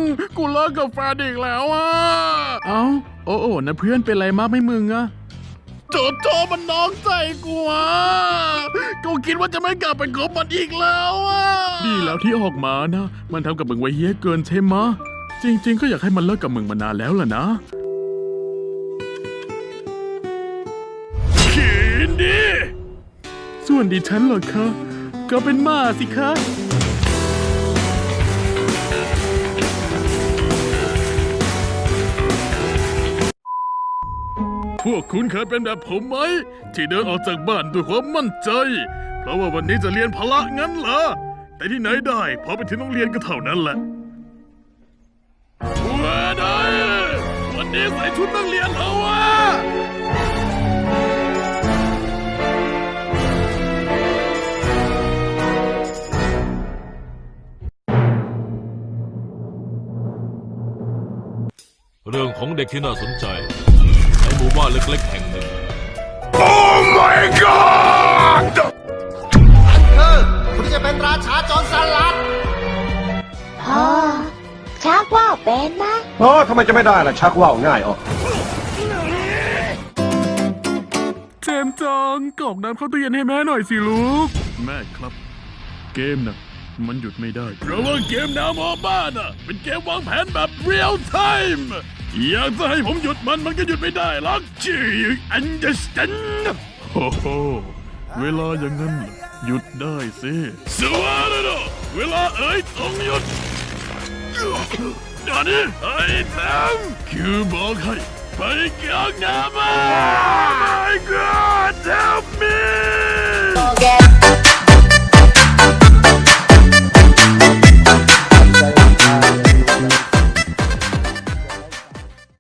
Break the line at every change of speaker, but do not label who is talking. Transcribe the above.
กูเลิกกับแฟนอีกแล้วอ่ะเอ้าโอ้นะเพื่อนเป็นไรมากไหมมึงอะโจมันน้องใจกูอ่ะกูคิดว่าจะไม่กลับไปคบมันอีกแล้วอ่ะดีแล้วที่ออกมานะมันทำกับมึงไว้เฮี้ยเกินใช่ไหมะจริงๆก็อยากให้มันเลิกกับมึงมานานแล้วล่ะนะขีนดิส่วนดิฉันเหรอคะก็เป็นหมาสิคะพวกคุณเคยเป็นแบบผมไหมที่เดินออกจากบ้านด้วยความมั่นใจเพราะว่าวันนี้จะเรียนพละงั้นเหรอแต่ที่ไหนได้พอไปถึงโรงเรียนก็เท่านั้นแหละว้าได้วันนี้ใส่ชุดนักเรียนเหรอวะ
เรื่องของเด็กที่น่าสนใจในหมู่บ้านเล็กๆแห่งหนึ่ง
Oh my god
คุณจะเป็นราชาโจรสลัด
พ่อชักว่าวเป็นนะ
ทำไมจะไม่ได้ล่ะชักว่าวง่ายออก
เจมส์จังกรอกน้ำเข้าตู้เย็นให้แม่หน่อยสิลูกแม่ครับเกมน่ะมันหยุดไม่ได้เพราะว่าเกมแนวโมบ้าน่ะเป็นเกมวางแผนแบบเรียลไทม์อยากจะให้ผมหยุดมันก็หยุดไม่ได้หรอกจีอันเดอร์สแตนโอ้โหเวลาอย่างนั้นหยุดได้สิสวัสดีเวลาต้องหยุดอันนี้ไอ้แทมคือบอกให้ไปกลางน้ำ My God help me